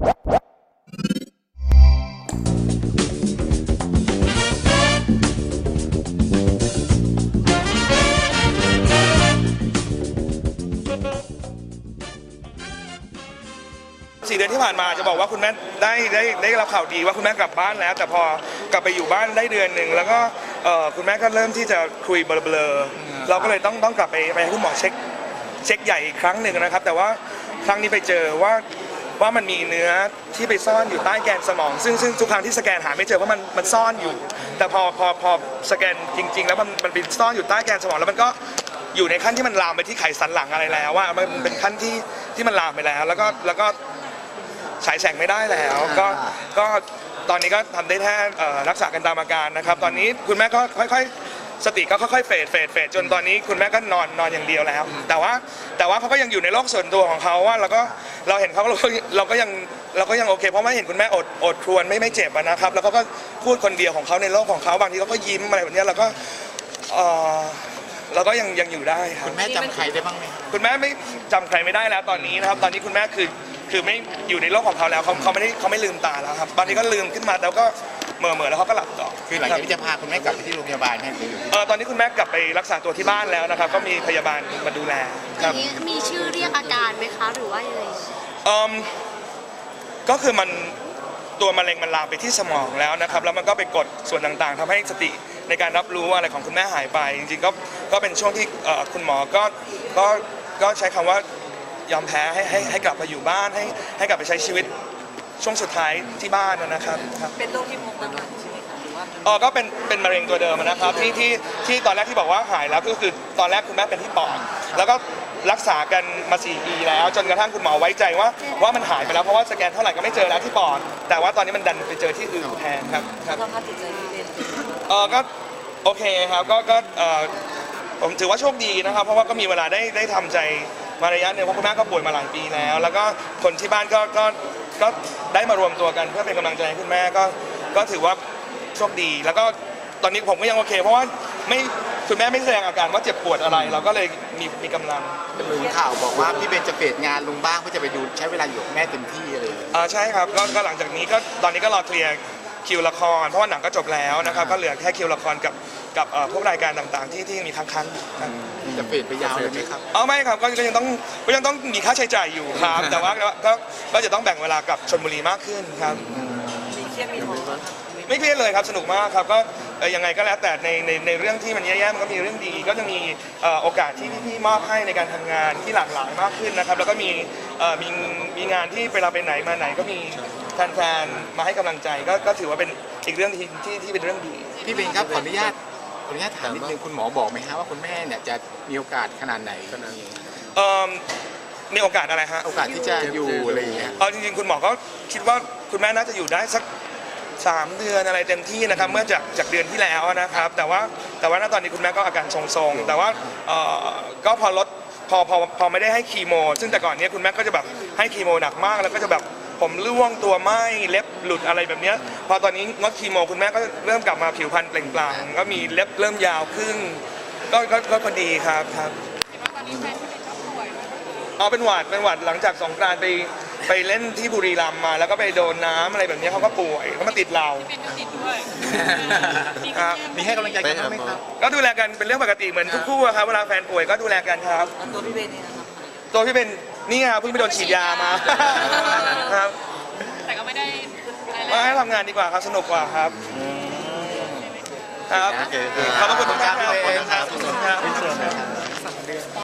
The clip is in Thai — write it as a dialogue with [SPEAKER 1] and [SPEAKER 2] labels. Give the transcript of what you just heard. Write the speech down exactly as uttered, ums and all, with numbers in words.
[SPEAKER 1] สี่เดือนที่ผ่านมาจะบอกว่าคุณแม่ได้ได้ได้รับข่าวดีว่าคุณแม่กลับบ้านแล้วแต่พอกลับไปอยู่บ้านได้เดือนหนึ่งแล้วก็คุณแม่ก็เริ่มที่จะคุยเบลอๆเราก็เลยต้องต้องกลับไปไปให้คุณหมอเช็คเช็คใหญ่อีกครั้งหนึ่งนะครับแต่ว่าครั้งนี้ไปเจอว่าว่ามันมีเนื้อที่ไปซ่อนอยู่ใต้แกนสมองซึ่งซึ่งทุกครั้งที่สแกนหาไม่เจอว่ามันมันซ่อนอยู่แต่พอพอพอสแกนจริงๆแล้วมันมันเป็นซ่อนอยู่ใต้แกนสมองแล้วมันก็อยู่ในขั้นที่มันลามไปที่ไขสันหลังอะไรแล้วว่ามันเป็นขั้นที่ที่มันลามไปแล้วแล้วก็แล้วก็ฉายแสงไม่ได้แล้วก็ก็ตอนนี้ก็ทำได้แค่รักษากันตามอาการนะครับตอนนี้คุณแม่ก็ค่อยๆสติก็ค่อยๆเฟดเฟดเฟดจนตอนนี้คุณแม่ก็นอนนอนอย่างเดียวแล้วแต่ว่าแต่ว่าเขาก็ยังอยู่ในโลกส่วนตัวของเขาว่าเราก็เราเห็นเขาเราก็เราก็ยังเราก็ยังโอเคเพราะว่าเห็นคุณแม่อดอดครวญไม่ไม่เจ็บนะครับแล้วเขาก็พูดคนเดียวของเขาในโลกของเขาบางทีเขาก็ยิ้มอะไรแบบนี้เราก็เราก็ยังยังอยู่ได้ครับ
[SPEAKER 2] คุณแม่จำใครได้บ้างไหม
[SPEAKER 1] คุณแม่ไม่จำใครไม่ได้แล้วตอนนี้นะครับตอนนี้คุณแม่คือคือไม่อยู่ในโลกของเขาแล้วเขาเขาไม่ได้เขาไม่ลืมตาแล้วครับตอนนี้ก็ลืมขึ้นมาแล้วก็เมื่อเมื่อแล้วเขาก็หลับต่อ
[SPEAKER 2] คือหลังจากที่จะพาคุณแม่กลับไปที่โรงพยาบาลให้คือ
[SPEAKER 1] เออตอนนี้คุณแม่กลับไปรักษาตัวที่บ้านแล้วนะครับก็มีพยาบาลมาดูแลครับ
[SPEAKER 3] มีชื่อเรียกอาการไหมคะหรือว่ายังไง
[SPEAKER 1] เออก็คือมันตัวมะเร็งมันลามไปที่สมองแล้วนะครับแล้วมันก็ไปกดส่วนต่างๆทำให้สติในการรับรู้อะไรของคุณแม่หายไปจริงๆก็ก็เป็นช่วงที่คุณหมอก็ก็ก็ใช้คำว่ายอมแพ้ให้ให้ให้กลับมาอยู่บ้านให้ให้กลับไปใช้ชีวิตช่วงสุดท้ายที่บ้านนะครับ
[SPEAKER 3] เป็นโรคที่พบมาก่อนใช่ไหมคะหรือว่า
[SPEAKER 1] อ๋อก็เป็นเป็นมะเร็งตัวเดิมนะครับที่ที่ที่ตอนแรกที่บอกว่าหายแล้วก็คือตอนแรกคุณแม่เป็นที่ปอดแล้วก็รักษากันมาสี่ปีแล้วจนกระทั่งคุณหมอไว้ใจว่าว่ามันหายไปแล้วเพราะว่าสแกนเท่าไหร่ก็ไม่เจอแล้วที่ปอดแต่ว่าตอนนี้มันดันไปเจอที่อื่นแทนครับครับ
[SPEAKER 3] สภาพจิตใจที่เป็น
[SPEAKER 1] เออก็โอเคครับก็ก็เออผมถือว่าโชคดีนะครับเพราะว่าก็มีเวลาได้ได้ทำใจมาระยะหนึ่งเพราะคุณแม่ก็ป่วยมาหลายปีแล้วแล้วก็คนที่บ้านก็ก็ก็ได้มารวมตัวกันเพื่อเป็นกำลังใจให้คุณแม่ก็ก็ถือว่าโชคดีแล้วก็ตอนนี้ผมก็ยังโอเคเพราะว่าไม่คุณแม่ไม่แสดงอาการว่าเจ็บปวดอะไรเราก็เลยมีมีกำลัง
[SPEAKER 2] เป็นรู้ข่าวบอกว่าพี่เบนจะเฟดงานลงบ้างเพื่อจะไปดูใช้เวลาอยู่กับแม่เต็มที่อะไร
[SPEAKER 1] อ่าใช่ครับก็ก็หลังจากนี้ก็ตอนนี้ก็รอเคลียร์คิวละครเพราะว่าหนังก็จบแล้วนะครับก็เหลือแค่คิวละครกับกับพวกรายการต่างๆที่ที่มีค้างๆ
[SPEAKER 2] จะเฟดไปยาวเลยไหมครับ
[SPEAKER 1] อ๋อไม่ครับก็ยังต้องก็ยังต้องมีค่าใช้จ่ายอยู่ครับแต่ว่าก็ก็จะต้องแบ่งเวลากับชลบุรีมากขึ้นครับ
[SPEAKER 3] มีเครียดมีท้อ
[SPEAKER 1] ไม่เครียดเลยครับสนุกมากครับก็ยังไงก็แล้วแต่ในในในเรื่องที่มันแย่ๆมันก็มีเรื่องดีก็จะมีโอกาสที่พี่ๆมอบให้ในการทำงานที่หลากหลายมากขึ้นนะครับแล้วก็มีมีมีงานที่เวลาไปไหนมาไหนก็มีแฟนๆมาให้กำลังใจก็ก็ถือว่าเป็นอีกเรื่องที่ที่ที่เป็นเรื่องดี
[SPEAKER 2] พี่เบนครับขออนุญาตขออนุญาตถามนิดนึงคุณหมอบอกไหมฮะว่าคุณแม่เนี่ยจะมีโอกาสขนาดไหนขนาดนี้
[SPEAKER 1] เอ่อมีโอกาสอะไรฮะ
[SPEAKER 2] โอกาสที่จะอยู่อะไรอย่างเงี้ย
[SPEAKER 1] เอาจริงๆคุณหมอก็คิดว่าคุณแม่น่าจะอยู่ได้สักสามเดือนอะไรเต็มที่นะครับเมื่อจากจากเดือนที่แล้วนะครับแต่ว่าแต่ว่าณตอนนี้คุณแม่ก็อาการทรงๆแต่ว่าก็พอลดพอพอพอไม่ได้ให้คีโมซึ่งแต่ก่อนนี้คุณแม่ก็จะแบบให้คีโมหนักมากแล้วก็จะแบบผมร่วงตัวไหม้เล็บหลุดอะไรแบบนี้พอตอนนี้งดคีโมคุณแม่ก็เริ่มกลับมาผิวพรรณเปล่งปลั่งก็มีเล็บเริ่มยาวขึ้นก็ก็ก็ดีครับครับเอาเป็นหวัดเป็นหวัดหลังจากสงกรานต์ไปไปเล่นที่บุรีรัมย์มาแล้วก็ไปโดนน้ำอะไรแบบนี้เขาก็ป่วยเขามาติดเรา
[SPEAKER 2] มีให้กำลังใจกันไหมครับ
[SPEAKER 1] ก็ดูแลกันเป็นเรื่องปกติเหมือนทุกคู่ครับเวลาแฟนป่วยก็ดูแลกันครับ
[SPEAKER 3] ตัวพี่เบนนี่นะครับ
[SPEAKER 1] ตัวพี่เบนนี่ครับเพิ่งไปโดนฉีดยามาครับ
[SPEAKER 3] แต่ก็ไม่ได้
[SPEAKER 1] มาให้ทำงานดีกว่าครับสนุกกว่าครับครับขอบคุณทุกท่าน